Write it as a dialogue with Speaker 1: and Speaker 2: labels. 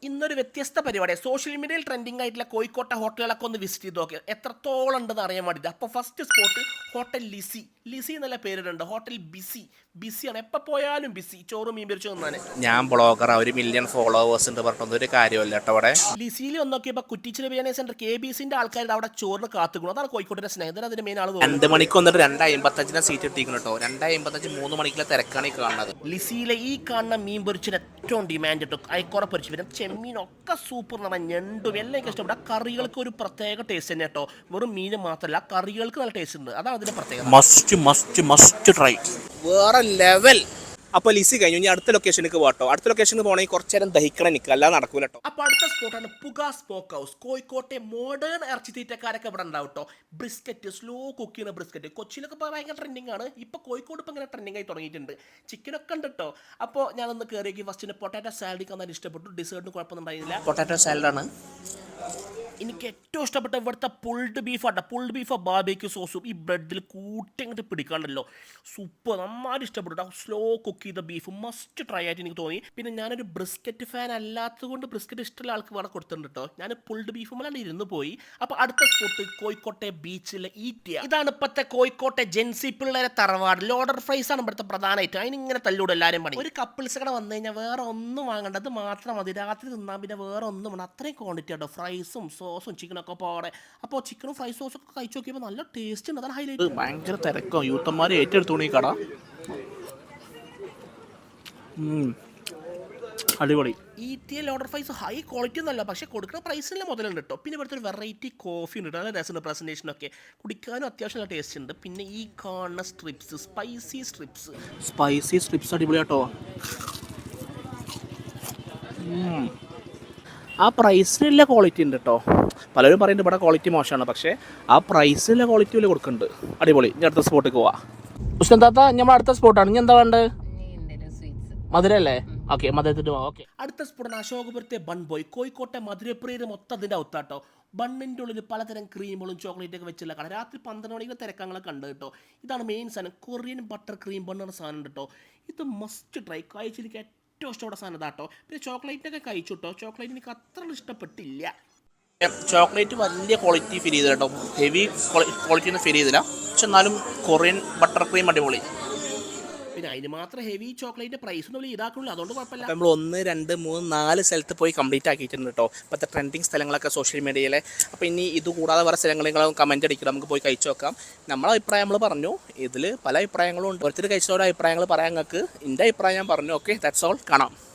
Speaker 1: ഇന്നൊരു വ്യത്യസ്ത പരിപാടി സോഷ്യൽ മീഡിയയിൽ ട്രെൻഡിങ് ആയിട്ടുള്ള കോഴിക്കോട്ടെ ഹോട്ടലുകളൊക്കെ ഒന്ന് വിസിറ്റ് ചെയ്ത് നോക്കി എത്രത്തോളം ഉണ്ടെന്ന് അറിയാൻ വേണ്ടിയിട്ട്. അപ്പോൾ first spot hotel Lissy. Lissy എന്നുള്ള പേരിടുണ്ട്. ഹോട്ടൽ ബിസിയാണ്, എപ്പോൾ പോയാലും ബിസി. ചോറ് മീൻ പിരിച്ചു തന്നാണ്.
Speaker 2: ഞാൻ ബ്ലോഗറാ, 1 മില്യൺ ഫോളോവേഴ്സ് ഉണ്ട് പറഞ്ഞൊന്നും ഒരു കാര്യമല്ല കേട്ടോ. അവിടെ
Speaker 1: ലിസിയിൽ ഒന്ന് നോക്കിയപ്പോൾ കുറ്റിച്ചിറ ബിരിയാണി സെന്റർ KBCന്റെ ആൾക്കാരുടെ അവിടെ ചോറിന് കാത്തുക്കണം. അതാണ് കോഴിക്കോട്ടെ സ്നേഹിതൻ. അതിന്റെ മെയിൻ ആൾ
Speaker 2: 2 മണിക്ക് വന്നിട്ട് 2:55 സീറ്റ് ഇട്ടിരിക്കുന്നു കേട്ടോ. 2:55 3 മണിക്കുള്ള തിരക്കാണ് ഈ കാണുന്നത്.
Speaker 1: ലിസിയിലെ ഈ കാണുന്ന മീൻ പൊരിച്ചിന് ഏറ്റവും ഡിമാൻഡ് കിട്ടും. അയക്കുറ പൊരിച്ച് വരും, ചെമ്മീനൊക്കെ സൂപ്പർ എന്ന് പറഞ്ഞാൽ ഞണ്ടും എല്ലാം എനിക്ക് ഇഷ്ടപ്പെട്ടു. ആ കറികൾക്ക് ഒരു പ്രത്യേക ടേസ്റ്റ് തന്നെ കേട്ടോ. വെറും മീൻ മാത്രമല്ല, ആ കറികൾക്ക് നല്ല ടേസ്റ്റ് ഉണ്ട്. അതാണ് അതിന്റെ പ്രത്യേകത.
Speaker 2: മസ്റ്റ് ട്രൈ, വേറെ ലെവൽ. അപ്പോൾ ലിസി കഴിഞ്ഞു, ഇനി അടുത്ത ലൊക്കേഷനിലേക്ക് പോകട്ടോ. അടുത്ത ലൊക്കേഷനിൽ പോകണമെങ്കിൽ കുറച്ച് നേരം ദഹിക്കണം, നിൽക്കുക, അല്ലാതെ നടക്കൂല കേട്ടോ.
Speaker 1: അപ്പോൾ അടുത്ത സ്പോട്ടാണ് പുക സ്മോക്ക് ഹൗസ്. കോഴിക്കോട്ടെ മോഡേൺ ഇറച്ചി തീറ്റക്കാരൊക്കെ ഇവിടെ ഉണ്ടാവും കേട്ടോ. ബ്രിസ്ക്കറ്റ്, സ്ലോ കുക്ക് ചെയ്യുന്ന ബ്രിസ്ക്കറ്റ് കൊച്ചിയിലൊക്കെ ഇപ്പോൾ ഭയങ്കര ട്രെൻഡിങ് ആണ്. ഇപ്പോൾ കോഴിക്കോട് ഇപ്പോൾ ഇങ്ങനെ ട്രെൻഡിങ് ആയി തുടങ്ങിയിട്ടുണ്ട്. ചിക്കനൊക്കെ ഉണ്ട് കേട്ടോ. അപ്പോൾ ഞാനൊന്ന് കയറിയേക്ക് ഫസ്റ്റിന് പൊട്ടാറ്റോ സാലഡ് കാണാൻ ഇഷ്ടപ്പെട്ടു. ഡിസേർട്ടിന് കുഴപ്പമൊന്നും ഉണ്ടായില്ല.
Speaker 2: പൊട്ടാറ്റോ സാലഡാണ്
Speaker 1: എനിക്ക് ഏറ്റവും ഇഷ്ടപ്പെട്ട ഇവിടുത്തെ പുൾഡ് ബീഫാട്ടോ. പുൾഡ് ബീഫ് ബാർബിക്യൂ സോസും ഈ ബ്രെഡിൽ കൂട്ടിങ്ങോട്ട് പിടിക്കാണ്ടല്ലോ, സൂപ്പർ. നന്നായിട്ട് ഇഷ്ടപ്പെട്ടു. സ്ലോ കുക്ക് ചെയ്ത ബീഫ് മസ്റ്റ് ട്രൈ ആയിട്ട് എനിക്ക് തോന്നി. പിന്നെ ഞാനൊരു ബ്രിസ്ക്കറ്റ് ഫാൻ അല്ലാത്തത് കൊണ്ട് ബ്രിസ്ക്കറ്റ് ഇഷ്ടമുള്ള ആൾക്ക് വേറെ കൊടുത്തിട്ടുണ്ട് കേട്ടോ. ഞാൻ പുൾഡ് ബീഫും ഇരുന്ന് പോയി. അപ്പോൾ അടുത്ത സ്പോട്ട് കോഴിക്കോട്ടെ ബീച്ചിലെ ഈറ്റിയ. ഇതാണ് ഇപ്പോഴത്തെ കോഴിക്കോട്ടെ ജെൻസി പിള്ളേരെ തറവാട്. ലോഡർ ഫ്രൈസ് ആണ് ഇവിടുത്തെ പ്രധാനമായിട്ട്. അതിനിങ്ങനെ തല്ലൂടെ എല്ലാവരും പണി. ഒരു കപ്പിൾസ് കട വന്നു കഴിഞ്ഞാൽ വേറെ ഒന്നും വാങ്ങേണ്ടത് മാത്രം മതി. രാത്രി തിന്നാൻ പിന്നെ വേറെ ഒന്നും വേണം. അത്രയും ക്വാണ്ടിറ്റി ആട്ടോ. ഫ്രൈസും സോസും ചിക്കനൊക്കെ പോടെ. അപ്പോൾ ചിക്കനും ഫ്രൈ സോസൊക്കെ കഴിച്ചു നോക്കിയപ്പോൾ നല്ല ടേസ്റ്റ് ഉണ്ട്. അതാണ് ഹൈലൈറ്റ്.
Speaker 2: ഭയങ്കര തിരക്കും, യൂത്തന്മാർ ഏറ്റെടുത്തു ഈ കട. അടിപൊളി.
Speaker 1: ഈറ്റിയ ലോഡർ ഫ്രൈസ് ഹൈ ക്വാളിറ്റി ഒന്നല്ല, പക്ഷേ കൊടുക്കുന്ന പ്രൈസിനുള്ള മുതലുണ്ട് കേട്ടോ. പിന്നെ ഇവിടുത്തെ ഒരു വെറൈറ്റി കോഫി ഉണ്ട്, നല്ല രസമുണ്ട്. പ്രസൻറ്റേഷനൊക്കെ കുടിക്കാനും അത്യാവശ്യം നല്ല ടേസ്റ്റ് ഉണ്ട്. പിന്നെ ഈ കാണുന്ന സ്ട്രിപ്സ്, സ്പൈസി സ്ട്രിപ്സ്
Speaker 2: അടിപൊളിയാട്ടോ. ആ പ്രൈസിനുള്ള ക്വാളിറ്റി ഉണ്ട് കേട്ടോ. പലരും പറയുന്നുണ്ട് ഇവിടെ ക്വാളിറ്റി മോശമാണ്, പക്ഷേ ആ പ്രൈസിലുള്ള ക്വാളിറ്റി വലിയ കൊടുക്കുന്നുണ്ട്. അടിപൊളി. ഇനി അടുത്ത സ്പോട്ടിലേക്ക് പോവാം. ഉസ്താത്ത, നമ്മൾ അടുത്ത സ്പോട്ടാണ്. ഇനി എന്താ വേണ്ടത്? മധുരല്ലേ? ഓക്കെ, മധുരത്തിന് പോവാം. ഓക്കെ,
Speaker 1: അടുത്ത സ്പോട്ടാണ് അശോകപുരത്തെ ബൺ ബോയ്. കോഴിക്കോട്ടെ മധുരപ്രിയര് മൊത്തം അതിൻ്റെ ഔത്താട്ടോ. ബണ്ണിൻ്റെ ഉള്ളിൽ പലതരം ക്രീമുകളും ചോക്ലേറ്റൊക്കെ വെച്ചുള്ള കട. രാത്രി 12 മണിക്ക് തിരക്കങ്ങളൊക്കെ ഉണ്ട് കേട്ടോ. ഇതാണ് മെയിൻ സാധനം. കൊറിയൻ ബട്ടർ ക്രീം ബണ്ണെന്ന സാധനം ഉണ്ട് കേട്ടോ. ഇത് മസ്റ്റ് ട്രൈ. കഴിച്ചിരിക്കുക ഏറ്റവും ഇഷ്ടപ്പെട്ട സാധനം ഇതാട്ടോ. പിന്നെ ചോക്ലേറ്റൊക്കെ കഴിച്ചു കേട്ടോ. ചോക്ലേറ്റ് എനിക്ക് അത്ര ഇഷ്ടപ്പെട്ടില്ല.
Speaker 2: ചോക്ലേറ്റ് വലിയ ക്വാളിറ്റി ഫീൽ ചെയ്തില്ല കേട്ടോ. ഹെവി ക്വാളിറ്റി ഒന്നും ഫീൽ ചെയ്തില്ല. പക്ഷെ എന്നാലും കൊറിയൻ ബട്ടർ ക്രീം അടിപൊളി.
Speaker 1: പിന്നെ അതിന് മാത്രം ഹെവി ചോക്ലേറ്റ് പ്രൈസ് ഒന്നും ഇതാക്കുള്ളൂ, അതുകൊണ്ട് കുഴപ്പമില്ല.
Speaker 2: നമ്മൾ 1 2 3 4 സ്ഥലത്ത് പോയി കംപ്ലീറ്റ് ആക്കിയിട്ടുണ്ട് കേട്ടോ. ഇപ്പോഴത്തെ ട്രെൻഡിങ് സ്ഥലങ്ങളൊക്കെ സോഷ്യൽ മീഡിയയിലെ. അപ്പോൾ ഇനി ഇത് കൂടാതെ വേറെ സ്ഥലങ്ങളും കമൻറ്റ് അടിക്കുക, നമുക്ക് പോയി കഴിച്ചു നോക്കാം. നമ്മളെ അഭിപ്രായം നമ്മൾ പറഞ്ഞു. ഇതിൽ പല അഭിപ്രായങ്ങളും ഉണ്ട്. ഓരോരുത്തർ കഴിച്ചവരുടെ അഭിപ്രായങ്ങൾ പറയാൻ നിങ്ങൾക്ക്. എൻ്റെ അഭിപ്രായം ഞാൻ പറഞ്ഞു. Okay, that's all. കാണാം.